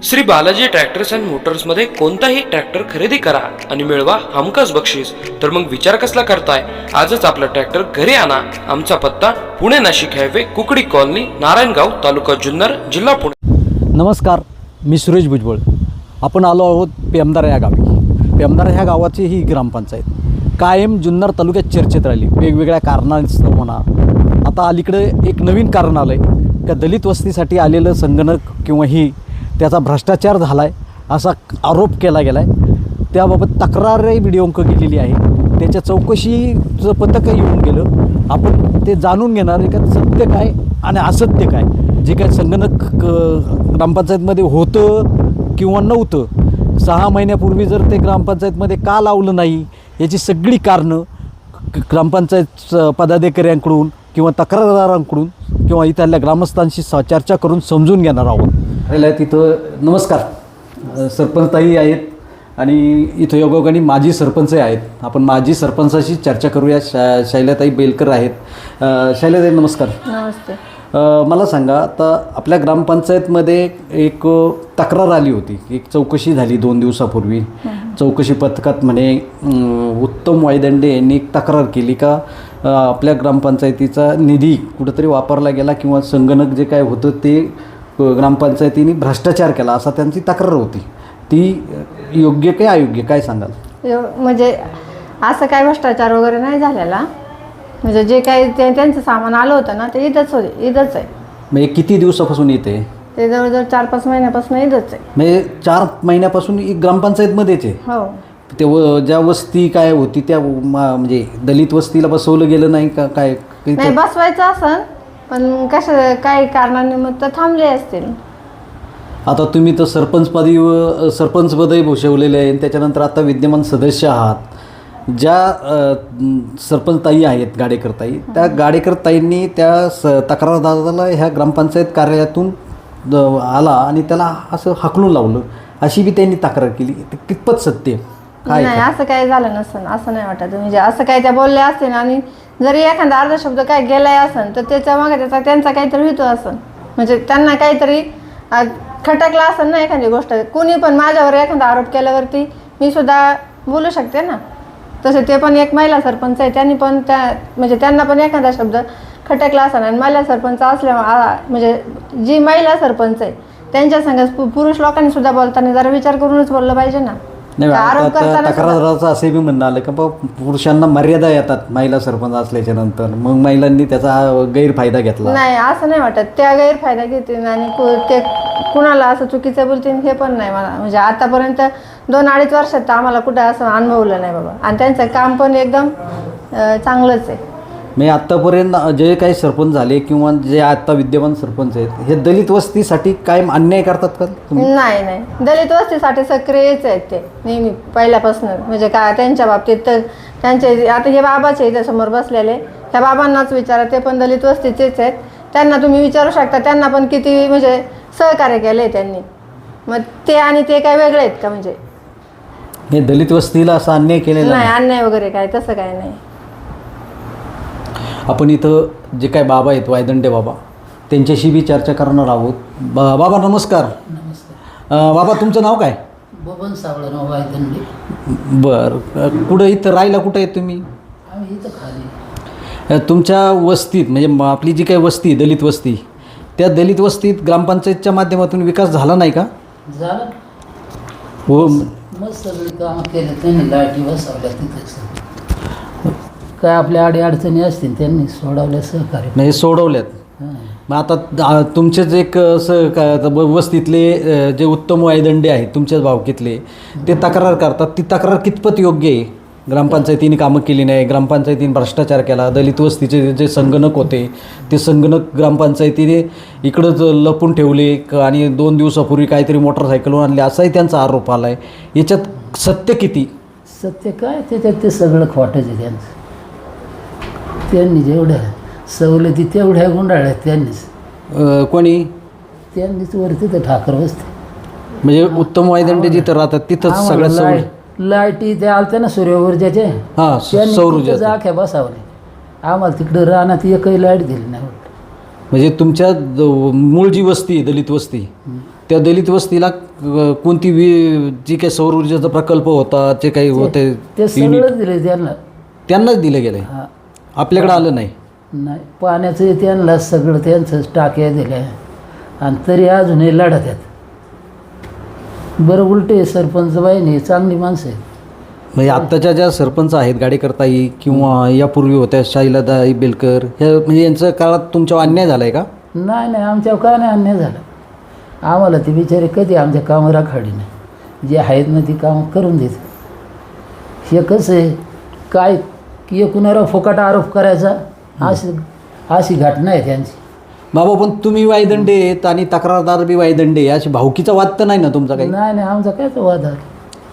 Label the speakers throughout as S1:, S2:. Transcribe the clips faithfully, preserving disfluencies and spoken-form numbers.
S1: Shri Balaji tractors and मोटर्समध्ये कोणताही tractor खरेदी करा आणि मिळवा हमखास बक्षीस. तर मग विचार कसला करताय? आजच आपला ट्रॅक्टर घरी आणा. आमचा पत्ता पुणे नाशिक हायवे, कुकडी कॉलनी, नारायणगाव, तालुका जुन्नर, जिल्हा पुणे.
S2: नमस्कार, मी सुरेश भुजबळ. आपण आलो आहोत पेमदार या गावी. पेमदार ह्या गावाची ही ग्रामपंचायत कायम जुन्नर तालुक्यात चर्चेत राहिली, वेगवेगळ्या कारणास्तव म्हणा. आता अलीकडे एक नवीन कारण आलं आहे का दलित वस्तीसाठी आलेलं संगणक किंवा ही त्याचा भ्रष्टाचार झाला आहे असा आरोप केला गेला आहे. त्याबाबत तक्रारही व्हिडिओ अंक केलेली आहे. त्याच्या चौकशीचं पथक येऊन गेलं. आपण ते जाणून घेणार आहे का सत्य काय आणि असत्य काय. जे काय संगणक ग्रामपंचायतमध्ये होतं किंवा नव्हतं, सहा महिन्यापूर्वी जर ते ग्रामपंचायतमध्ये का लावलं नाही, याची सगळी कारणं ग्रामपंचायत पदाधिकाऱ्यांकडून किंवा तक्रारदारांकडून किंवा इथल्या ग्रामस्थांशी चर्चा करून समजून घेणार आहोत. राहिला तिथं नमस्कार, सरपंचताई आहेत आणि इथं योगायोगाने माजी सरपंचही आहेत. आपण माजी सरपंचाशी चर्चा करूया. शा शैलाताई बेलकर आहेत. शैलाताई नमस्कार.
S3: नमस्ते.
S2: मला सांगा, आता आपल्या ग्रामपंचायतमध्ये एक तक्रार आली होती, एक चौकशी झाली दोन दिवसापूर्वी. चौकशी पथकात म्हणे उत्तम वायदंडे यांनी एक तक्रार केली का आपल्या ग्रामपंचायतीचा निधी कुठंतरी वापरला गेला किंवा संगणक जे काय होतं ते ग्रामपंचायतीने भ्रष्टाचार केला, असा त्यांची तक्रार होती. ती योग्य काय अयोग्य काय सांगाल?
S3: म्हणजे असं काय भ्रष्टाचार वगैरे नाही झालेला. म्हणजे जे काही ते त्यांचं सामान आलं होतं ना, ते इथंच होते, इथंच आहे.
S2: म्हणजे किती दिवसापासून येते
S3: ते? जवळजवळ चार पाच महिन्यापासून इथंच आहे.
S2: म्हणजे चार महिन्यापासून ग्रामपंचायतमध्येच आहे.
S3: हो.
S2: ते व ज्या वस्ती काय होती त्या म्हणजे दलित वस्तीला बसवलं गेलं नाही का काय?
S3: नाही बसवायचं असं, पण कसं काही कारणानिमित्त थांबले असतील.
S2: आता तुम्ही तर सरपंचपदी सरपंचपदही भूषवलेले आहे. त्याच्यानंतर आता विद्यमान सदस्य आहात. ज्या सरपंचताई आहेत गाडेकरताई, त्या गाडेकरताईंनी त्या स तक्रारदाराला ह्या ग्रामपंचायत कार्यालयातून आला आणि त्याला असं हाकलून लावलं, अशी बी त्यांनी तक्रार केली. ते कितपत सत्य काय?
S3: नाही, असं काही झालं नसेल, असं नाही वाटत. म्हणजे असं काही त्या बोलल्या असतील आणि जरी एखादा अर्धा शब्द काय गेलाय असेल तर त्याच्या मागे त्याचा त्यांचा काहीतरी हेतू असेल. म्हणजे त्यांना काहीतरी खटकला असेल ना एखादी गोष्ट. कुणी पण माझ्यावर एखादा आरोप केल्यावरती मी सुद्धा बोलू शकते ना. तसे ते पण एक महिला सरपंच आहे, त्यांनी पण त्या म्हणजे त्यांना पण एखादा शब्द खटकला असेल. आणि महिला सरपंच असल्या म्हणजे जी महिला सरपंच आहे त्यांच्या संग पुरुष लोकांनी सुद्धा बोलताना जरा विचार करूनच बोललं पाहिजे ना.
S2: नाही, तक्रारदाराचं असे बी म्हणणं आलं का पुरुषांना मर्यादा येतात महिला सरपंच असल्याच्या नंतर, मग महिलांनी त्याचा गैरफायदा घेतला.
S3: नाही, असं नाही वाटत. त्या गैरफायदा घेतील आणि ते कुणाला असं चुकीचं बोलतील हे पण नाही मला. म्हणजे आतापर्यंत दोन अडीच वर्षात आम्हाला कुठं असं अनुभवलं नाही बाबा. आणि त्यांचं काम पण एकदम चांगलंच आहे.
S2: मी आत्तापर्यंत जे काही सरपंच झाले किंवा जे आता विद्यमान सरपंच आहेत, हे दलित वस्तीसाठी काय अन्याय करतात का?
S3: नाही नाही, दलित वस्तीसाठी सक्रियच आहेत ते नेहमी पहिल्यापासून. म्हणजे काय त्यांच्या बाबतीत तर त्यांचे आता हे बाबाचे इथे समोर बसलेले, त्या बाबांनाच विचारा, ते पण दलित वस्तीचेच आहेत. त्यांना तुम्ही विचारू शकता, त्यांना पण किती म्हणजे सहकार्य केलं आहे त्यांनी. मग ते आणि ते काय वेगळे आहेत का? म्हणजे
S2: हे दलित वस्तीला असा अन्याय केलेला
S3: नाही, अन्याय वगैरे काय तसं काय नाही.
S2: आपण इथं जे काय बाबा आहेत वायदंडे बाबा, त्यांच्याशी बी चर्चा करणार आहोत. बा बाबा नमस्कार.
S4: नमस्कार.
S2: बाबा तुमचं नाव काय?
S4: बबन सावळराव वायदंडे.
S2: बरं, कुठं इथं राहायला कुठं आहे तुम्ही?
S4: आम्ही इथं खाली.
S2: तुमच्या वस्तीत म्हणजे आपली जी काही वस्ती दलित वस्ती, त्या दलित वस्तीत ग्रामपंचायतच्या माध्यमातून विकास झाला नाही का?
S4: झालं.
S2: हो.
S4: मस्त सगळी कामं केलं त्यांनी, लाईटी बसवल्या तिथेच. काय आपल्या अडी अडचणी असतील त्यांनी सोडवल्या, सहकार्य
S2: म्हणजे सोडवल्यात. मग आता तुमचेच एक असं का वस्तीतले जे उत्तम वायदंडे आहेत तुमच्याच भावकीतले, ते तक्रार करतात. ती तक्रार कितपत योग्य आहे? ग्रामपंचायतीने कामं केली नाही, ग्रामपंचायतीने भ्रष्टाचार केला, दलित वस्तीचे जे संगणक होते ते संगणक ग्रामपंचायतीने इकडंच लपून ठेवले आणि दोन दिवसापूर्वी काहीतरी मोटरसायकलवर आणले, असाही त्यांचा आरोप आला आहे. याच्यात सत्य किती?
S4: सत्य काय त्याच्यात ते सगळं खोटंच आहे त्यांचं. त्यांनी जेवढ्या सवलती तेवढ्या गुंडाळ्यात त्यांनीच.
S2: कोणी?
S4: त्यांनीच वरती तर ठाकर बसते.
S2: म्हणजे उत्तम वायदंडे जिथं राहतात तिथंच सगळ्यात सवय.
S4: लाईटी ते आलत्या ना सूर्य ऊर्जाचे,
S2: हां, सौर ऊर्जा
S4: आख्या बसावले. आम्हाला तिकडं राहण्यात एकही लाईट दिली नाही.
S2: म्हणजे तुमच्या द- मूळ जी वस्ती आहे दलित वस्ती त्या दलित वस्तीला अ, कोणती वि जी काही सौर ऊर्जेचा प्रकल्प होता जे काही होते
S4: ते
S2: युनिट
S4: सगळं दिले त्यांना.
S2: त्यांनाच दिलं गेलं आहे
S4: हा
S2: आपल्याकडे आलं नाही.
S4: नाही पाण्याचं त्यांना सगळं त्यांचं टाक्या दिल्या आणि तरी अजूनही लढत आहेत. बरं उलटे सरपंच बाईने चांगली माणसं आहेत.
S2: म्हणजे आत्ताच्या ज्या सरपंच आहेत गाडेकरताई किंवा यापूर्वी होत्या शाईलादाई बेलकर ह्या म्हणजे यांच्या काळात तुमच्यावर अन्याय झाला आहे का?
S4: नाही नाही आमच्यावर काय नाही अन्याय झाला. आम्हाला ते बिचारे कधी आमच्या कामं राखाडी नाही. जे आहेत ना ती कामं करून देत. हे कसं आहे काय की एकूणावर फुकट आरोप करायचा अशी अशी घटना आहे त्यांची.
S2: बाबा पण तुम्ही वायदंडे आहेत आणि तक्रारदार बी वायदंडे आहे. अशी भावकीचा वाद तर नाही ना तुमचा काही?
S4: नाही नाही आमचा काय तो वाद आहे.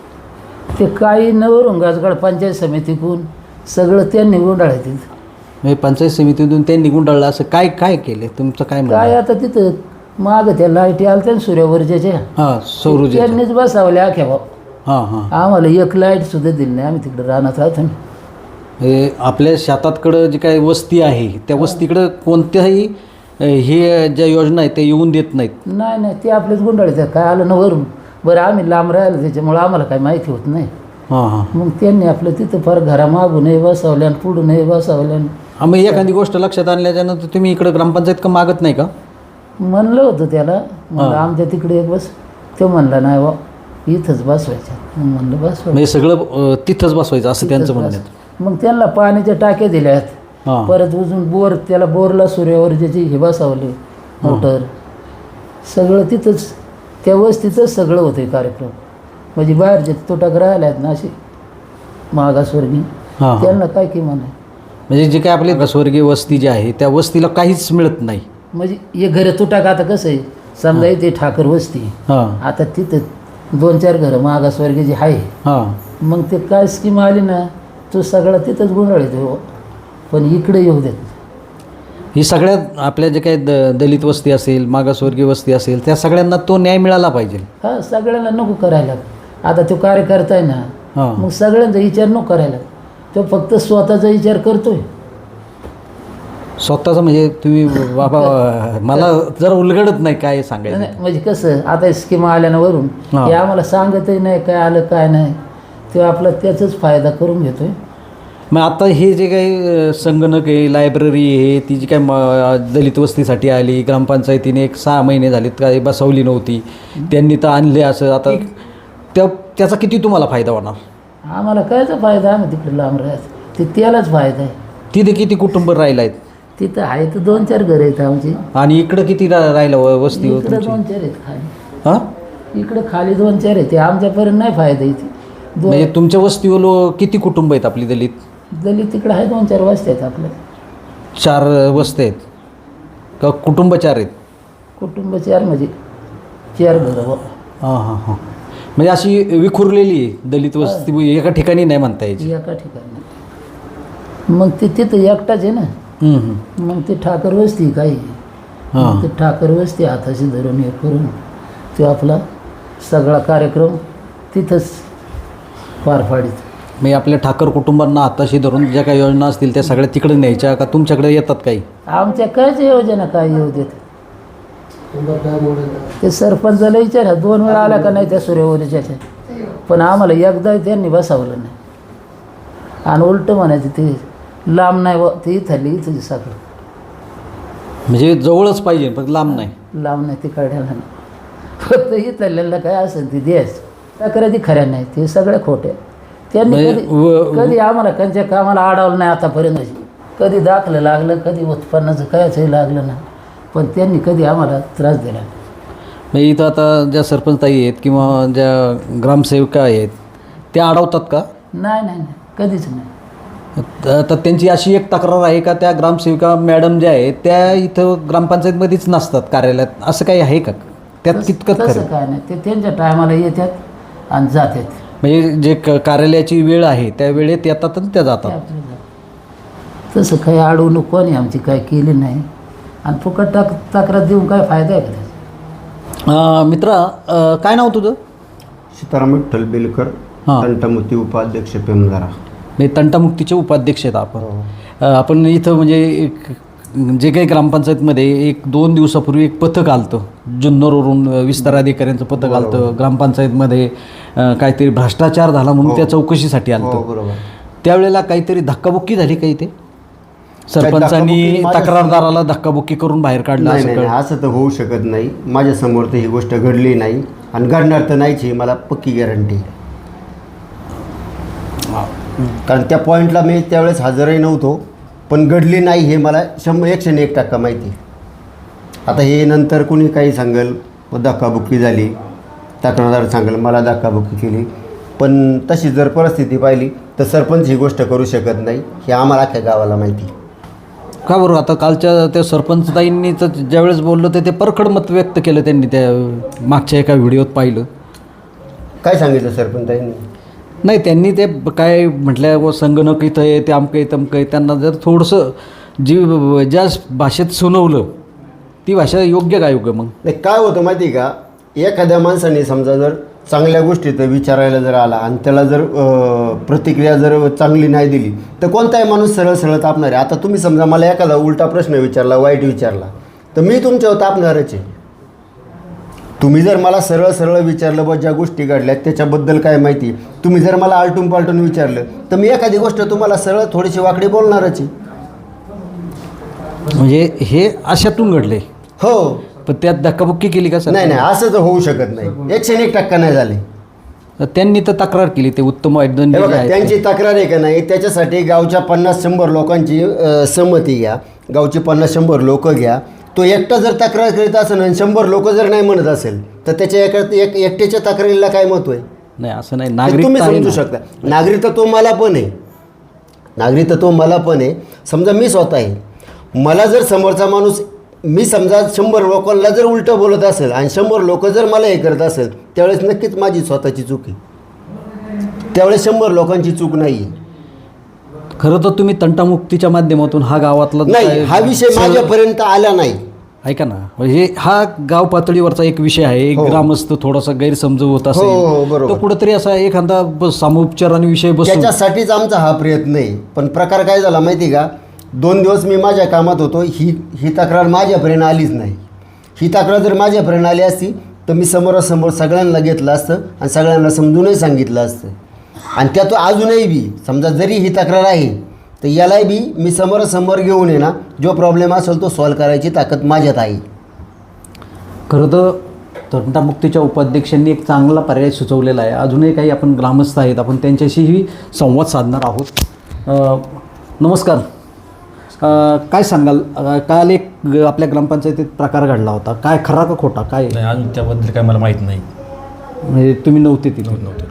S4: ते काही नवरून गाजगाड पंचायत समितीकडून सगळं त्यांनी गुंडाळलं तिथं.
S2: म्हणजे पंचायत समितीतून ते निघून टाळलं असं काय काय केलं तुमचं काय म्हणणं
S4: काय
S2: आहे?
S4: आता तिथं मागं त्या लाईटी आल्या ना सूर्यवरच्या
S2: हां सौर ऊर्जेचं.
S4: त्यांनीच बसावल्या आख्या भाऊ.
S2: हां हां
S4: आम्हाला एक लाईट सुद्धा दिली नाही. आम्ही तिकडे रानात राहतो ना.
S2: हे आपल्या शेतातकडं जी काही वस्ती आहे त्या वस्तीकडं कोणत्याही अ, हे ज्या योजना आहेत त्या येऊन देत नाहीत.
S4: नाही नाही ते आपलेच गुंडाळीत आहे. काय आलं ना वरून. बरं आम्ही लांब राहिलो त्याच्यामुळं आम्हाला काही माहिती होत नाही.
S2: हां हां
S4: मग त्यांनी आपलं तिथं फार घरामागूनही बसवल्या आणि पुढूनही बसवल्या.
S2: हां मग एखादी गोष्ट लक्षात आणल्याच्यानंतर तुम्ही इकडं ग्रामपंचायत का मागत नाही का?
S4: म्हणलं होतं त्याला म्हणलं आमच्या तिकडे एक बस. तो म्हणला नाही बा इथंच बसवायचं. मग म्हणलं बसवायचं.
S2: म्हणजे सगळं अ, तिथंच बसवायचं असं त्यांचं म्हणणं आहे.
S4: मग त्यांना पाण्याच्या टाक्या दिल्या आहेत.
S2: हां
S4: परत अजून बोर त्याला बोरला सूर्यवरच्याची हे बसवले मोटर. सगळं तिथंच त्या वस्तीतच सगळं होतं कार्यक्रम. म्हणजे बाहेरचे तुटक राहिले आहेत ना असे मागासवर्गीय
S2: हां हां.
S4: त्यांना काय किंमत नाही.
S2: म्हणजे जे काही आपली स्वर्गीय वस्ती जी आहे त्या वस्तीला काहीच मिळत नाही.
S4: म्हणजे हे घरं तुटाक आता कसं आहे समजा इथे ठाकर वस्ती
S2: हां
S4: आता तिथं दोन चार घरं मागासवर्गीय जे आहे
S2: हां
S4: मग ते काय स्कीम आली ना तो सगळा तिथंच गुंडाळीत हो. पण इकडे येऊ देत.
S2: ही सगळ्यात आपल्या जे काही द दलित वस्ती असेल मागासवर्गीय वस्ती असेल त्या सगळ्यांना तो न्याय मिळाला पाहिजे.
S4: हा सगळ्यांना नको करायला. आता तो कार्यकर्ता आहे ना
S2: हां
S4: मग सगळ्यांचा विचार नको करायला. तो फक्त स्वतःचा विचार करतोय.
S2: स्वतःचं म्हणजे तुम्ही बाबा मला जरा उलगडत नाही काय सांगायचं.
S4: नाही, म्हणजे कसं आता स्कीम आल्या ना वरून
S2: हा.
S4: हे आम्हाला सांगतही नाही काय आलं काय नाही. तो आपला त्याचाच फायदा करून घेतोय.
S2: मग आता हे जे काही अ, संगणक आहे लायब्ररी आहे ती जी काय म दलित वस्तीसाठी आली ग्रामपंचायतीने एक सहा महिने झालेत काय बसवली नव्हती त्यांनी तर आणले असं आता त्या त्याचा किती तुम्हाला फायदा होणार?
S4: आम्हाला कायचा फायदा. आम्ही तिकडे लांब राहत ते त्यालाच फायदा आहे.
S2: तिथे किती कुटुंब राहिला आहेत
S4: तिथं आहे तर दोन चार घरं आहेत आमची.
S2: आणि इकडं किती रा राहिलं व- वस्ती हो
S4: इकडे
S2: तुमची?
S4: दोन चार आहेत खाली.
S2: हां
S4: इकडे खाली दोन चार आहेत. ते आमच्यापर्यंत नाही फायदा इथे. दोन
S2: म्हणजे तुमच्या वस्तीवर लो- किती कुटुंब आहेत आपली दलित?
S4: दलित तिकडे आहे दोन चार वस्ती आहेत आपल्या.
S2: चार वस्ती आहेत का कुटुंब चार आहेत?
S4: कुटुंब चार म्हणजे चार घरं बुवा.
S2: हां हां हां म्हणजे अशी विखुरलेली आहे दलित वस्ती एका ठिकाणी नाही म्हणता यायची.
S4: एका ठिकाणी मग ते तिथं एकटाच आहे ना.
S2: हम्म, हम्म.
S4: मग ते ठाकर वस्ती काही
S2: हां
S4: मग ते ठाकर वस्ती हाताशी धरून हे करून तो आपला सगळा कार्यक्रम तिथंच पार पाडित.
S2: म्हणजे आपल्या ठाकर कुटुंबांना हाताशी धरून ज्या काही योजना असतील त्या सगळ्या तिकडे न्यायच्या का तुमच्याकडे येतात काही?
S4: आमच्या कायच योजना काय येऊ देत. ते सरपंचाला विचारा दोन वेळा आला का नाही त्या सूर्यवरीच्या. पण आम्हाला एकदा त्यांनी बसावलं नाही. आणि उलटं म्हणायचं ते लांब नाही व ते इथं इथं सगळं
S2: म्हणजे जवळच पाहिजे पण लांब नाही.
S4: लांब नाही ते काढायला नाही. फक्त इथल्याला काय असेल ते द्यायचं तक्रारी खऱ्या नाही ते सगळ्या खोट्या. त्यांनी
S2: म्हणजे
S4: कधी
S2: व-
S4: कधी आम्हाला त्यांच्या कामाला अडवलं नाही आतापर्यंत. कधी दाखलं लागलं कधी उत्पन्नाचं कायचंही लागलं नाही. पण त्यांनी कधी आम्हाला त्रास दिला नाही.
S2: म्हणजे इथं आता ज्या सरपंचताई आहेत किंवा ज्या ग्रामसेविका आहेत त्या अडवतात का?
S4: नाही नाही नाही कधीच नाही.
S2: त- तर त्यांची अशी एक तक्रार आहे का त्या ग्रामसेविका मॅडम ज्या आहेत त्या इथं ग्रामपंचायतमध्येच नसतात कार्यालयात असं काही आहे का? त्यात कितकं
S4: तसं
S2: खरं?
S4: काय नाही. ते त्यांच्या टायमाला येतात आणि जातात.
S2: म्हणजे जे क कार्यालयाची वेळ आहे त्या वेळेत येतात आणि त्या
S4: ते
S2: जातात.
S4: आपलं जातं. तसं काही अडवणूक कोणी आमची काय केली नाही. आणि फुकट टाक तक्रार देऊन काय फायदा आहे का त्याचा?
S2: अं, मित्रा अं, काय नाव तुझं?
S5: सीताराम विठ्ठल बेलकर
S2: हां.
S5: तंटामुती उपाध्यक्ष पेमदारा.
S2: म्हणजे तंटामुक्तीचे उपाध्यक्ष आहेत आपण. अं, आपण इथं म्हणजे एक जे काही ग्रामपंचायतमध्ये एक दोन दिवसापूर्वी एक पथक आलतं जुन्नरवरून विस्तार अधिकाऱ्यांचं पथक आलतं ग्रामपंचायतमध्ये अं, काहीतरी भ्रष्टाचार झाला म्हणून त्या चौकशीसाठी
S5: हो
S2: आलतं
S5: बरोबर.
S2: त्यावेळेला काहीतरी धक्काबुक्की झाली काही ते सरपंचांनी
S5: धक्काबुक्की माझ्या-
S2: तक्रारदाराला धक्काबुक्की करून बाहेर काढलं
S5: नाही
S2: असं
S5: नाही
S2: कळ
S5: नाही, असं तर होऊ शकत नाही. माझ्यासमोर तर ही गोष्ट घडली नाही आणि घडणार तर नाहीच ही मला पक्की गॅरंटी. कारण त्या पॉईंटला मी त्यावेळेस हजरही नव्हतो, पण घडली नाही हे मला शंभर एकशे एक टक्का माहिती. आता हे नंतर कुणी काही सांगेल धक्काबुक्की झाली, तक्रारदार सांगेल मला धक्काबुक्की केली, पण तशी जर परिस्थिती पाहिली तर सरपंच ही गोष्ट करू शकत नाही हे आम्हाला अख्ख्या गावाला माहिती.
S2: का बरं आता कालच्या त्या सरपंचताईंनी तर ज्यावेळेस बोललं ते ते परखड मत व्यक्त केलं त्यांनी त्या मागच्या एका व्हिडिओत पाहिलं.
S5: काय सांगितलं सरपंचांनी?
S2: नाही त्यांनी ते काय म्हटलं व संगणक इथं आहे ते अमकं आहे तमकं आहे त्यांना जर थोडंसं जी ज्या भाषेत सुनावलं ती भाषा योग्य काय योग्य मग
S5: नाही काय होतं माहिती आहे का, एखाद्या माणसाने समजा जर चांगल्या गोष्टी तर विचारायला जर आला आणि त्याला जर अं, प्रतिक्रिया जर चांगली नाही दिली तर कोणताही माणूस सरळ सरळ तापणार आहे. आता तुम्ही समजा मला एखादा उलटा प्रश्न विचारला, वाईट विचारला, तर मी तुमच्यावर तापणारच आहे. तुम्ही जर मला सरळ सरळ विचारलं बा ज्या गोष्टी घडल्या त्याच्याबद्दल काय माहिती, तुम्ही जर मला आलटून पालटून विचारलं तर मी एखादी गोष्ट तुम्हाला सरळ थोडीशी वाकडी बोलणारच आहे.
S2: म्हणजे हे अशातून घडले
S5: हो.
S2: पण त्यात धक्काबुक्की केली का सर?
S5: नाही नाही असं तर होऊ शकत नाही. एकशे एक टक्का नाही झाले.
S2: तर त्यांनी तर तक्रार केली ते उत्तम वैद्यंनी
S5: हे
S2: जे
S5: बघा
S2: आहेत
S5: त्यांची
S2: ते.
S5: तक्रार आहे का नाही त्याच्यासाठी गावच्या पन्नास शंभर लोकांची अ, संमती घ्या, गावची पन्नास शंभर लोक घ्या. तो एकटा जर तक्रार करीत असेल आणि शंभर लोक जर नाही म्हणत असेल तर त्याच्या एका एक एकट्याच्या तक्रारीला काय महत्व आहे?
S2: नाही असं नाही
S5: हे
S2: नागरिक
S5: तुम्ही समजू शकता. नागरिकत्व मला पण आहे, नागरिकत्व मला पण आहे. समजा मी स्वतः आहे, मला जर समोरचा माणूस मी समजा शंभर लोकांना जर उलटं बोलत असेल आणि शंभर लोक जर मला हे करत असेल त्यावेळेस नक्कीच माझी स्वतःची चूक आहे. त्यावेळेस शंभर लोकांची चूक नाही आहे.
S2: खरं तर तुम्ही तंटामुक्तीच्या माध्यमातून हा गावातला
S5: नाही हा विषय माझ्यापर्यंत आला नाही.
S2: ऐका ना म्हणजे हा गाव पातळीवरचा एक विषय आहे. एक
S5: हो.
S2: ग्रामस्थ थोडासा गैरसमज होत
S5: हो, हो,
S2: असेल
S5: बरोबर.
S2: तो कुठेतरी असा एखादा ब- सामोपचाराने विषय बसून
S5: त्याच्यासाठीच आमचा हा प्रयत्न आहे. पण प्रकार काय झाला माहिती का, दोन दिवस मी माझ्या कामात होतो, ही ही तक्रार माझ्यापर्यंत आलीच नाही. ही तक्रार जर माझ्यापर्यंत आली असती तर मी समोरासमोर सगळ्यांना घेतलं असतं आणि सगळ्यांना समजूनही सांगितलं असतं. आणि त्यात अजूनही बी समजा जरी ही तक्रार आहे तर यालाही बी मी समोरासमोर घेऊन आहे ना, जो प्रॉब्लेम असेल तो सॉल्व करायची ताकद माझ्यात आहे.
S2: खरं तर तंटामुक्तीच्या उपाध्यक्षांनी एक चांगला पर्याय सुचवलेला आहे. अजूनही काही आपण ग्रामस्थ आहेत आपण त्यांच्याशीही संवाद साधणार आहोत. अ, नमस्कार. अ, काय सांगाल अ, काल एक ग- आपल्या ग्रामपंचायतीत प्रकार घडला होता, काय खरा का खोटा काय
S6: नाही अजून त्याबद्दल काय मला माहीत नाही.
S2: म्हणजे तुम्ही नव्हते तिथे?
S6: नव्हते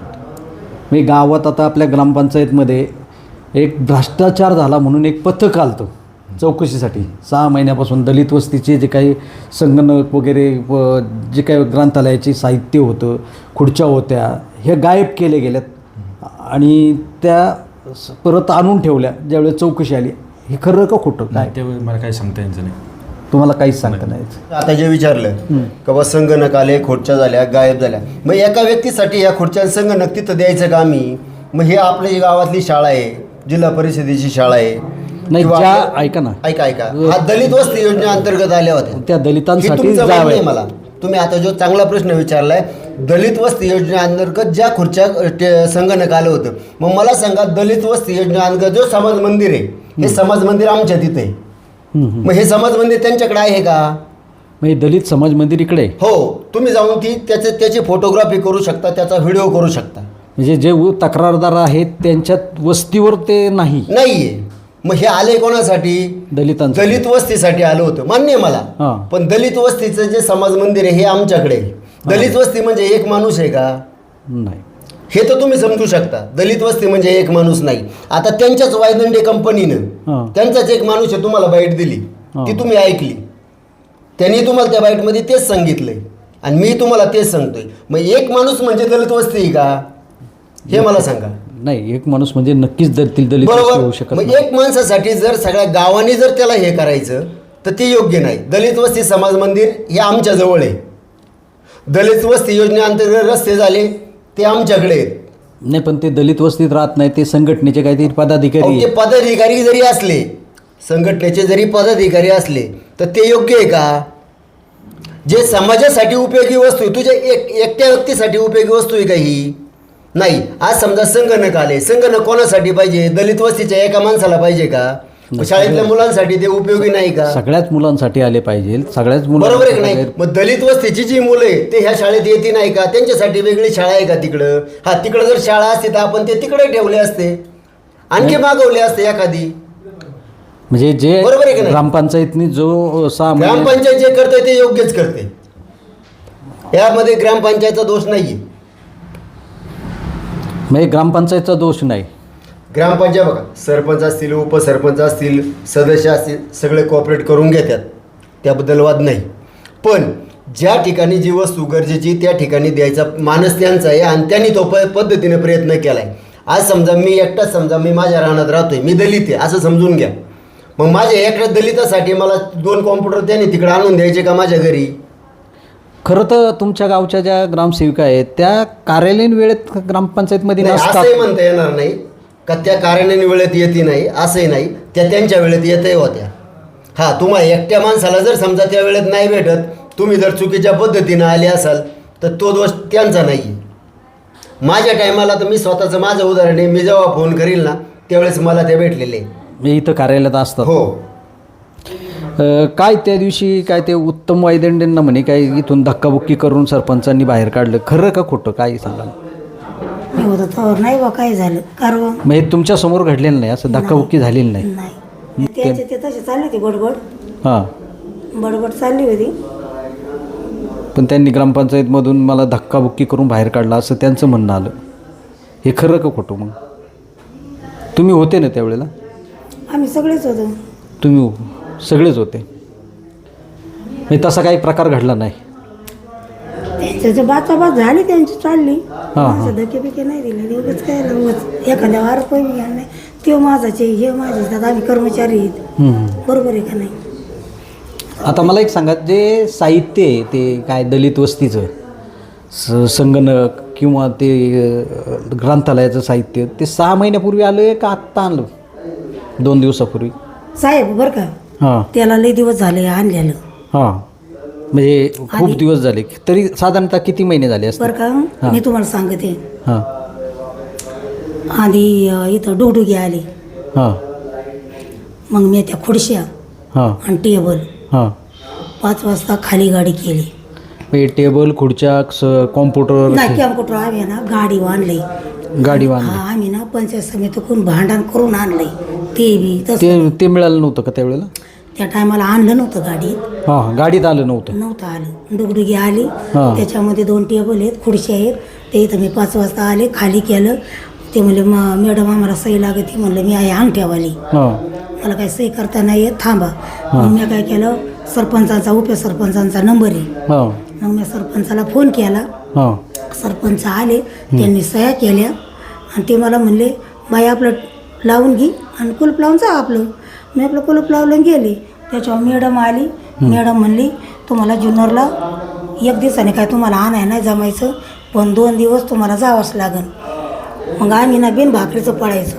S2: मी गावात आता आपल्या ग्रामपंचायतमध्ये एक भ्रष्टाचार झाला म्हणून एक पथक आलतं चौकशीसाठी. सहा महिन्यापासून दलित वस्तीचे जे काही संगणक वगैरे व जे काही ग्रंथालयाचे साहित्य होतं, खुर्च्या होत्या, हे गायब केले गेल्यात आणि त्या स- परत आणून ठेवल्या ज्यावेळेस चौकशी आली. हे खरं का खोटं काय
S6: नाही त्यावेळी मला काही सांगता यायचं नाही.
S2: तुम्हाला काहीच सांगता नाही?
S5: आता जे विचारलं का बा संगणक आले, खुर्च्या झाल्या, गायब झाल्या, मग एका व्यक्तीसाठी या खुर्च्या आणि संगणक तिथं द्यायचं का आम्ही? मग हे आपली गावातली शाळा आहे, जिल्हा परिषदेची शाळा आहे.
S2: नाही
S5: किंवा
S2: ज्या
S5: आपल्या-
S2: ऐका ना
S5: ऐका ऐका हा दलित वस्ती योजनेअंतर्गत आल्या होत्या.
S2: त्या
S5: हे
S2: दलितांसाठी
S5: तुमचं म्हणणं
S2: जावं
S5: आहे मला. तुम्ही आता जो चांगला प्रश्न विचारलाय, दलित वस्ती योजनेअंतर्गत ज्या खुर्च्या ते संगणक आलं होतं, मग मला सांगा दलित वस्ती योजनेअंतर्गत जो समाज मंदिर आहे हे समाज मंदिर आमच्या तिथे आहे. मग हे समाज मंदिर त्यांच्याकडे आहे का?
S2: म्हणजे दलित समाज मंदिर इकडे आहे.
S5: हो, तुम्ही जाऊन ती त्याचे त्याची फोटोग्राफी करू शकता, त्याचा व्हिडिओ करू शकता.
S2: म्हणजे जे उ- तक्रारदार आहेत त्यांच्यात वस्तीवर ते नाही
S5: नाहीये. मग हे आले कोणासाठी?
S2: दलितांचं.
S5: दलित वस्तीसाठी आलं होतं, मान्य आहे मला.
S2: हां.
S5: पण दलित वस्तीचं जे समाज मंदिर आहे हे आमच्याकडे आहे. दलित वस्ती म्हणजे एक माणूस आहे का?
S2: नाही.
S5: हे तर तुम्ही समजू शकता. दलित वस्ती म्हणजे एक माणूस नाही. आता त्यांच्याच वायदंडे
S2: हां.
S5: कंपनीनं त्यांचाच एक माणूस आहे तुम्हाला बाईट दिली,
S2: हां.
S5: ती तुम्ही ऐकली, त्यांनी तुम्हाला त्या बाईटमध्ये तेच सांगितलंय आणि मी तुम्हाला तेच सांगतोय. मग एक माणूस म्हणजे दलित वस्ती आहे का? हे मला सांगा.
S2: नाही एक माणूस म्हणजे नक्कीच दलित दलित वस्ती होऊ
S5: बरोबर.
S2: शकत
S5: मग
S2: नाही.
S5: एक माणसासाठी जर सगळ्या गावाने जर त्याला हे करायचं तर ते योग्य नाही. दलित वस्ती समाज मंदिर हे आमच्या जवळ आहे. दलित वस्ती योजनेअंतर्गत रस्ते झाले ते आमच्याकडे आहेत.
S2: नाही पण ते दलित वस्तीत राहत नाही, ते संघटनेचे काहीतरी पदाधिकारी
S5: अहो, ते
S2: आहेत.
S5: पदाधिकारी जरी असले संघटनेचे जरी पदाधिकारी असले तर ते योग्य आहे का? जे समाजासाठी उपयोगी वस्तू आहे, तुझ्या एक एकट्या व्यक्तीसाठी उपयोगी वस्तू आहे का ही? नाही. आज समजा संगणक आले, संगणक कोणासाठी पाहिजे? दलित वस्तीच्या एका माणसाला पाहिजे का? शाळेतल्या मुलांसाठी ते उपयोगी नाही का?
S2: सगळ्याच मुलांसाठी आले पाहिजे, सगळ्याच
S5: बरोबर आहे की नाही?
S2: मुलांना
S5: मग दलित वस्तीची जी मुलं आहे ते ह्या शाळेत येते नाही का? त्यांच्यासाठी वेगळी शाळा आहे का तिकडं? हा, तिकडं जर शाळा असते तर आपण ते तिकडे ठेवले असते, आणखी मागवले असते एखादी.
S2: म्हणजे जे
S5: बरोबर आहे की नाही?
S2: ग्रामपंचायतनी जो सहा महिने
S5: ग्रामपंचायत जे करते ते योग्यच करते, यामध्ये ग्रामपंचायतचा दोष नाहीये.
S2: म्हणजे ग्रामपंचायतचा दोष नाही.
S5: ग्रामपंचायत बघा, सरपंच असतील, उपसरपंच असतील, सदस्य असतील, सगळे कॉपरेट करून घेतात, त्याबद्दल वाद नाही. पण ज्या ठिकाणी जी वस्तू गरजेची त्या ठिकाणी द्यायचा मानस त्यांचा आहे आणि त्यांनी तो प पद्धतीने प्रयत्न केला आहे. आज समजा मी एकटाच, समजा मी माझ्या रानात राहतोय, मी दलित आहे असं समजून घ्या, मग माझ्या एकट्या दलितासाठी मला दोन कॉम्प्युटर त्यांनी तिकडे आणून द्यायचे का माझ्या घरी?
S2: खरं तर तुमच्या गावच्या ज्या ग्रामसेविका आहेत त्या कार्यालयीन वेळेत ग्रामपंचायतमध्ये
S5: नाही,
S2: नसतात.
S5: असंही म्हणता येणार नाही का त्या कार्यालयीन वेळेत येते नाही, असंही नाही. त्या त्यांच्या वेळेत येतही होत्या. हां, तुम्हाला एकट्या माणसाला जर समजा त्या वेळेत नाही भेटत, तुम्ही जर चुकीच्या पद्धतीनं आले असाल तर तो दोष त्यांचा नाही. माझ्या टायमाला तर मी स्वतःचं माझं उदाहरण आहे, मी जेव्हा फोन करील ना त्यावेळेस मला ते भेटलेले.
S2: मी इथं कार्यालयात असतात.
S5: हो.
S2: अ, काय त्या दिवशी काय ते उत्तम वायदंडेंना म्हणे काय इथून धक्काबुक्की करून सरपंचांनी बाहेर काढलं, खरं का खोटं काय सांगा?
S7: मी होतं तर नाही बा काय झालं कारण
S2: म्हणजे तुमच्या समोर घडलेलं नाही, असं धक्काबुक्की झालेली नाही.
S7: नाही. त्याचे ते तसे चालले होते बडबड
S2: हां,
S7: बडबड चालली होती.
S2: पण त्यांनी ग्रामपंचायतमधून मला धक्काबुक्की करून बाहेर काढला असं त्यांचं म्हणणं आलं. हे खरं का खोटं? मग तुम्ही होते ना त्यावेळेला?
S7: आम्ही सगळेच होतो.
S2: तुम्ही सगळेच होते, म्हणजे तसा काही प्रकार घडला नाही.
S7: त्यांच्या बाचाबाच झाली त्यांची चालली.
S2: हां.
S7: माझं धके बिके नाही दिले, एवढंच काय उगाच एखाद्या वार पण घ्या नाही. ते माझाचे हे माझे आता आम्ही कर्मचारी आहेत.
S2: हम्म.
S7: बरोबर आहे का नाही?
S2: आता मला एक सांगा, जे साहित्य आहे ते काय दलित वस्तीचं स संगणक किंवा ते अ, ग्रंथालयाचं साहित्य ते सहा महिन्यापूर्वी आलं आहे का आत्ता आणलं? दोन दिवसापूर्वी?
S7: साहेब बरं का,
S2: हां
S7: त्याला लई दिवस झाले आणलेलं.
S2: हां, म्हणजे खूप दिवस झाले. तरी साधारणतः किती महिने झाले असते?
S7: बरं का, मी तुम्हाला सांगते.
S2: हां
S7: आधी अं, इथं डुगडुगी आली,
S2: हां
S7: मग मी त्या खुर्च्या
S2: हां
S7: आणि टेबल
S2: हां
S7: पाच वाजता खाली गाडी केली.
S2: म्हणजे टेबल खुर्च्या स कॉम्प्युटर
S7: नाही कॅम्प्युटर आम्ही ना गाडी आणली.
S2: गाडी बांधली.
S7: हा, आम्ही ना पंचायत समितीकडून भांडण करून आणलंय. ते बी तसं
S2: ते ते मिळालं नव्हतं का त्यावेळेला?
S7: त्या टायमाला आणलं नव्हतं गाडीत.
S2: हां, गाडीत आलं नव्हतं.
S7: नव्हतं आलं. डुगडुगी आली,
S2: हा.
S7: त्याच्यामध्ये दोन टेबल आहेत, खुर्च्या आहेत. ते इथं मी पाच वाजता आले, खाली केलं. ते म्हणले म मॅडम आम्हाला सही लागते. म्हणलं मी आहे अंगठ्यावाली,
S2: हां
S7: मला काही सही करता नाही येत, थांबा. मग मी काय केलं, सरपंचांचा उपसरपंचांचा नंबर आहे.
S2: हां
S7: मग मी सरपंचाला फोन केला.
S2: हां
S7: सरपंच आले, त्यांनी सह्या केल्या आणि ते मला म्हणले बाई आपलं लावून घे आणि कुलूप लावून जा आपलं. मी आपलं कुलूप लावलं गेले. त्याच्यावर मॅडम आली. मॅडम म्हणली तुम्हाला जुन्नरला एक दिवसाने काय तुम्हाला आणाय नाही जमायचं, पण दोन दिवस तुम्हाला जावंच लागेल. मग आम्ही ना बिन भाकरीचं पळायचो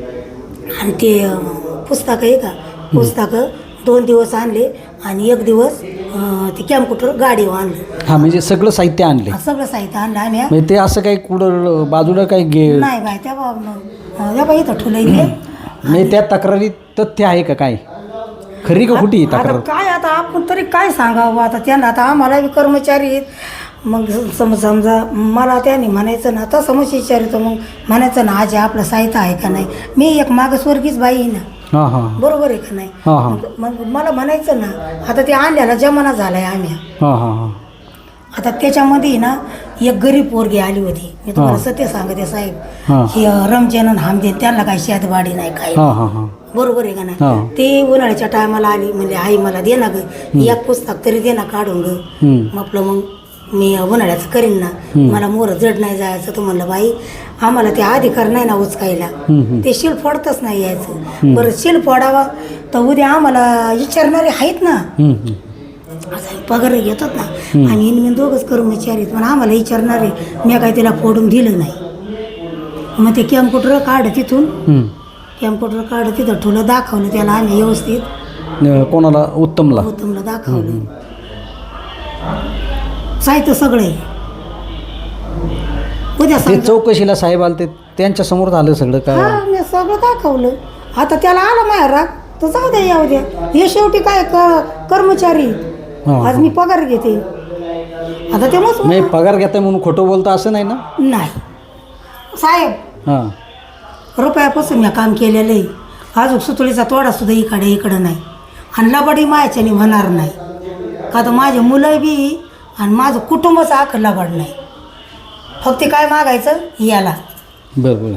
S7: आणि ते अं, पुस्तकं आहे का, पुस्तकं दोन दिवस आणले आणि एक दिवस अं, ते कॅम्प्युटर गाडीवर आणलं.
S2: हां, म्हणजे सगळं साहित्य आणले.
S7: सगळं साहित्य आणलं आम्ही.
S2: म्हणजे ते असं काही कुठं बाजूला काही गे
S7: नाही बाय त्या बा त्या बाई इथं ठुलं इथे.
S2: म्हणजे त्या तक्रारीत तथ्य आहे का काय? खरी का खोटी
S7: आता
S2: तक्रार?
S7: काय आता आपण तरी काय सांगावं आता त्यांना. आता आम्हाला बी कर्मचारी आहेत. मग सम समजा मला त्याने म्हणायचं ना, तसं मग विचारितो मग म्हणायचं ना आजी आपलं साहित्य आहे का नाही. मी एक मागासवर्गीच बाई आहे ना,
S2: हां हां
S7: बरोबर आहे का नाही.
S2: हां हां
S7: मग मग मला म्हणायचं ना, आता ते आणल्याला जमाना झाला आहे आम्ही.
S2: हां हां हां
S7: आता त्याच्यामध्ये ना एक गरीब पोरगी आली होती. मी तुम्हाला
S2: हां.
S7: सत्य सांगते साहेब,
S2: हां.
S7: हे रमजान आणि हमदेन त्यांना काही शेतबाडी नाही काय,
S2: हां हां हां
S7: बरोबर आहे का
S2: हां.
S7: नाही. ते उन्हाळ्याच्या टायमाला आली, म्हणजे आई मला दे ना ग एक पुस्तक तरी दे ना काढून ग.
S2: हम्म.
S7: मग आपलं मग मी उन्हाळ्याचं करीन ना, मला मोर जड नाही जायचं. तर म्हणलं बाई आम्हाला ते अधिकार नाही ना उचकायला,
S2: हम्म.
S7: ते शिल फोडतच नाही यायचं. बरं शिल फोडावा तर उद्या आम्हाला विचारणारे आहेत ना,
S2: हम्म, हम्म.
S7: असं पगार घेतात ना. आम्ही मी दोघंच कर्मचारी आहेत, पण आम्हाला विचारणारे मी काय तिला फोडून दिलं नाही. मग ते कॅम्प्युटर काढ तिथून
S2: हम्म.
S7: कॅम्प्युटर काढलं तिथं ठेवलं दाखवलं त्याला आम्ही व्यवस्थित
S2: न- कोणाला उत्तमला
S7: उत्तमला दाखवलं साहित्य सगळं आहे उद्या
S2: ते
S7: सांग
S2: चौकशीला साहेब आले ते त्यांच्या समोर झालं सगळं काय
S7: हा मी सगळं दाखवलं आता त्याला आला माझ्या राग तर जाऊ द्या येऊ द्या हे शेवटी काय क- कर्मचारी
S2: हा.
S7: आज मी पगार घेते आता ते मग
S2: नाही पगार घेताय म्हणून खोटं बोलता असं नाही ना
S7: नाही साहेब
S2: हां
S7: रुपयापासून मी काम केलेलं आहे अजून सुतळीचा तोडा सुद्धा इकडे इकडं नाही आणि लबाडी मायाच्याने होणार नाही का तर माझे मुलं बी आणि माझं कुटुंबच आख लबाड नाही फक्त काय मागायचं याला
S2: बरं बरं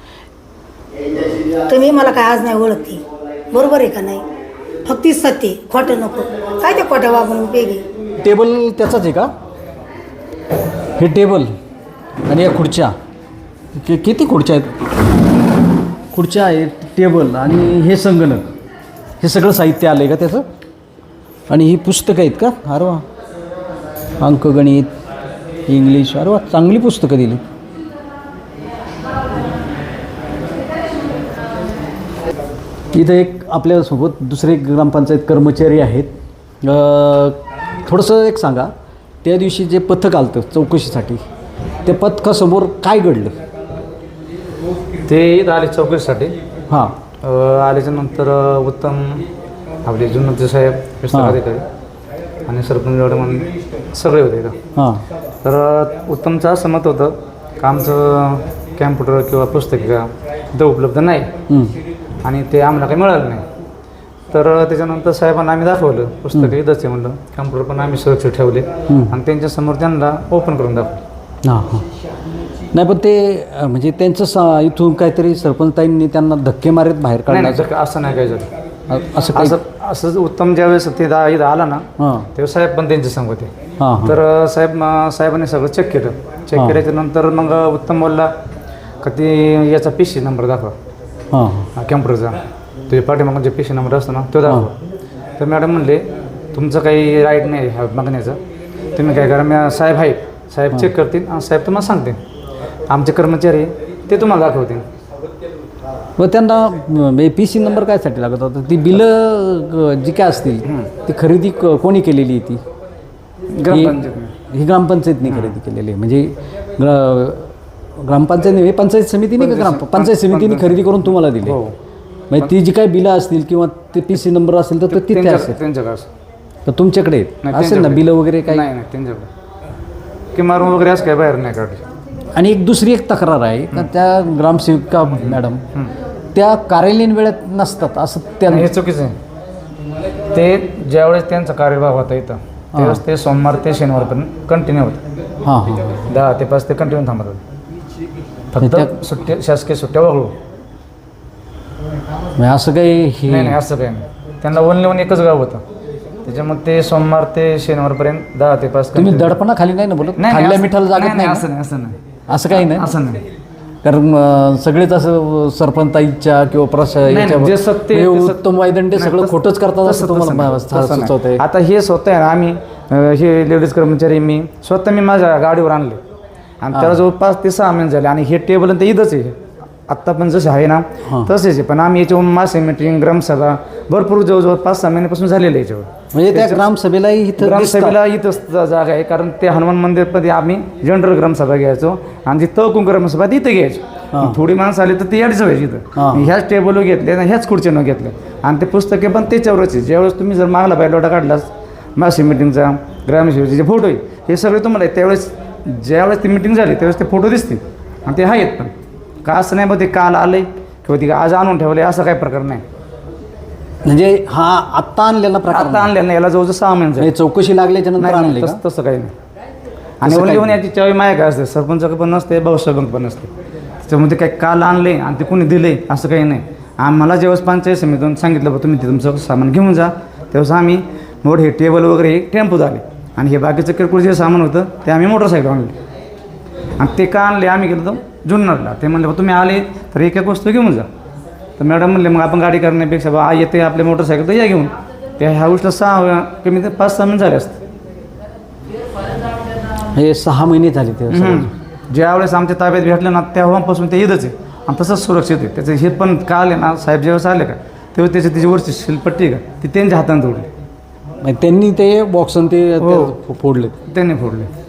S7: तुम्ही मला काय आज नाही ओळखते बरोबर आहे का नाही फक्त सत्य खोटं नको काय ते खोट्या वागून उपयोगी
S2: टेबल त्याचाच आहे का हे टेबल आणि या खुर्च्या कि किती खुर्च्या आहेत खुर्च्या आहेत टेबल आणि हे संगणक हे सगळं साहित्य आलं आहे का त्याचं आणि ही पुस्तकं आहेत का अरे वा अंकगणित इंग्लिश अरे वा चांगली पुस्तकं दिली इथं एक आपल्यासोबत दुसरे ग्रामपंचायत कर्मचारी आहेत अ, थोडंसं एक सांगा त्या दिवशी जे पथक आलं होतं चौकशीसाठी त्या पथकासमोर काय घडलं
S8: ते इथं आले चौकशीसाठी
S2: हां
S8: अ, आल्याच्या नंतर अ, उत्तम आपले जुन्नरचे साहेब विस्तार
S2: हां.
S8: अधिकारी आणि सरपंच एवढे म्हणून सगळे होते इथं.
S2: हां
S8: तर अ, उत्तमचं असं मत होतं का आमचं कॅम्प्युटर किंवा पुस्तकिका इथं उपलब्ध नाही
S2: हं.
S8: आणि ते आम्हाला काही मिळालं नाही. तर अ, त्याच्यानंतर साहेबांना आम्ही दाखवलं पुस्तकं इथंच आहे म्हणलं कॅम्प्युटर पण आम्ही सुरक्षित ठेवले आणि त्यांच्यासमोर त्यांना ओपन करून दाखवलं.
S2: हां हां नाही पण ते अ, म्हणजे त्यांचं सा इथून काहीतरी सरपंचताईंनी त्यांना धक्के मारत बाहेर
S8: नाही नाही
S2: काढण्याचं
S8: असं- असं नाही काय झालं.
S2: अ- असं काही
S8: असं असं उत्तम ज्यावेळेस ते दा इथं आला ना
S2: हां
S8: तेव्हा साहेब पण त्यांचे संग होते.
S2: हां हां
S8: तर अ, साहेब म- साहेबांनी सगळं चेक केलं चेक
S2: हां.
S8: केल्याच्या नंतर मग उत्तम बोलला का ते याचा पी सी नंबर दाखवा
S2: हां
S8: हा, कॅम्प्युटरचा तुझ्या पाठीमागं जे पी सी नंबर असतो ना तो दाखवा. तर मॅडम म्हणले तुमचं काही राईट नाही ह्या मागण्याचं तुम्ही काय करा मी साहेब आहेत साहेब चेक करतील आणि साहेब तुम्हाला सांगतील आमचे कर्मचारी ते तुम्हाला दाखवतील.
S2: व त्यांना पी सी नंबर कायसाठी लागत होता ती बिलं अ, जी काय असतील ती खरेदी क- कोणी केलेली आहे ती
S8: ग्रामपंचायत
S2: ही ग्रामपंचायतने खरेदी केलेली आहे म्हणजे ग्रा ग्रामपंचायत नाही पंचायत समितीने का ग्राम पंचायत समितीने खरेदी करून तुम्हाला दिली
S8: हो
S2: म्हणजे ती जी काही बिलं असतील किंवा ते पी सी नंबर असेल तर ते तिथे असेल
S8: त्यांच्याकडे
S2: तर तुमच्याकडे आहेत?
S8: नाही,
S2: असेल ना
S8: त्यांच्याकडे.
S2: बिलं वगैरे काही
S8: नाही नाही त्यांच्याकडे की मारून वगैरे असं काय बाहेर नाही काढले.
S2: आणि एक दुसरी एक तक्रार आहे का त्या ग्रामसेविका मॅडम त्या कार्यालयीन वेळेत नसतात असं त्या
S8: हे चुकीचं आहे. ते ज्यावेळेस त्यांचा कार्यभाग होता इथं त्यावेळेस ते सोमवार ते शनिवारपर्यंत कंटिन्यू होतं
S2: हां हां
S8: दहा ते पाच ते कंटिन्यू थांबत होते
S2: त्या-
S8: फक्त सुट्टी शासकीय सुट्ट्या वगळू
S2: म्हणजे असं काही
S8: नाही नाही
S2: हे
S8: असं काही नाही त्यांना ओनली वन एकच गाव होतं त्याच्यामुळे ते सोमवार ते शनिवारपर्यंत दहा ते पाच
S2: तुम्ही
S8: continue.
S2: दडपणा खाली नाही ना बोलत
S8: नाही, नाही
S2: खाल्ल्या
S8: असं-
S2: मिठाला
S8: नाही,
S2: जागत
S8: नाही
S2: नाही
S8: असं
S2: ना?
S8: नाही असं नाही
S2: असं काही नाही
S8: असं नाही
S2: कारण अं, सगळेच असं सरपंचाईच्या किंवा प्रशा
S8: नाही,
S2: याच्या-
S8: नाही, जे सत्य
S2: हे
S8: ते सत्य-
S2: उत्तम वायदंडे
S8: नाही,
S2: सगळं
S8: तसं-
S2: खोटंच करतात असं
S8: तसं-
S2: तुम्हाला
S8: तसं नाही, तसं नाही.
S2: सुचवत आहे
S8: आता हे स्वतः आहे ना आम्ही अं, हे लेडीज कर्मचारी मी स्वतः मी माझ्या गाडीवर आणले आणि त्याला जवळपास ते सहा महिने झाले आणि हे टेबल आणि ते इथंच आहे आत्ता पण जसे आहे ना तसेच आहे पण आम्ही याच्यावर मासे मीटिंग ग्रामसभा भरपूर जवळजवळ पाच सहा महिन्यापासून झालेलं आहे याच्यावर.
S2: म्हणजे त्या ग्रामसभेलाही इथं दिसतात.
S8: ग्रामसभेला इथंच जा- जागा आहे कारण ते हनुमान मंदिरमध्ये आम्ही जनरल ग्रामसभा घ्यायचो आणि जी तहकुम ग्रामसभा तिथे घ्यायचो थोडी माणसं आली तर ती याडीच व्हायची
S2: हां.
S8: इथं ह्याच टेबलवर घेतले आणि ह्याच खुर्चीनं घेतले आणि ते पुस्तके पण त्याच्यावरच आहे ज्यावेळेस तुम्ही जर मागला बायलोटा काढलास मासी मिटिंगचा ग्रामसेवेचे जे फोटो आहे हे सगळे तुम्हाला आहे त्यावेळेस ज्यावेळेस ती मिटिंग झाली त्यावेळेस ते फोटो दिसतील आणि ते आहेत पण का असं नाही बघ ते काल आलंय किंवा ते आज आणून ठेवले असं काही प्रकार नाही.
S2: म्हणजे हा आत्ता आणलेला प्रकार
S8: आता आणलेलं नाही याला जवळजवळ सहा महिने झाले.
S2: नाही, चौकशी लागल्याच्या नंतर
S8: नाही,
S2: आणले
S8: नाही,
S2: का?
S8: तसं तसं काही नाही आणि ओनली वन याची चावी माया काय असते सरपंचाकडे पण नसते भाऊसाहेबांक पण नसते त्याच्यामध्ये काही काल आणले आणि ते कोणी दिले असं काही नाही. आम्हाला जेव्हा पंचायत समितीतून सांगितलं बा तुम्ही ते तुमचं सामान घेऊन जा तेव्हाच आम्ही मोठ हे टेबल वगैरे हे टेम्पो झाले आणि हे बाकीचं किरकोळ जे सामान होतं ते आम्ही मोटरसायकल आणले आणि ते का आणले आम्ही गेलो तर जुन्नरला ते म्हणले बा तुम्ही आले तर एक एक वस्तू घेऊन जा तर मॅडम म्हणले मग आपण गाडी करण्यापेक्षा बा येते आपल्या मोटरसायकल तर या घेऊन त्या ह्या गोष्टीला सहा कमी ते पाच सहा महिने झाले असते.
S2: हे सहा महिने झाले ते
S8: हम्म. ज्यावेळेस आमच्या ताब्यात भेटलं ना तेव्हापासून ते इथंच आहे आणि तसंच सुरक्षित आहे. त्याचं हे पण काल आहे ना साहेब जेव्हा आले का तेव्हा त्याची त्याची वरची शिलपट्टी आहे का ती त्यांच्या हाताने तोडली.
S2: त्यांनी ते बॉक्स ते
S8: हो.
S2: ते फोडले.
S8: त्यांनी फोडले.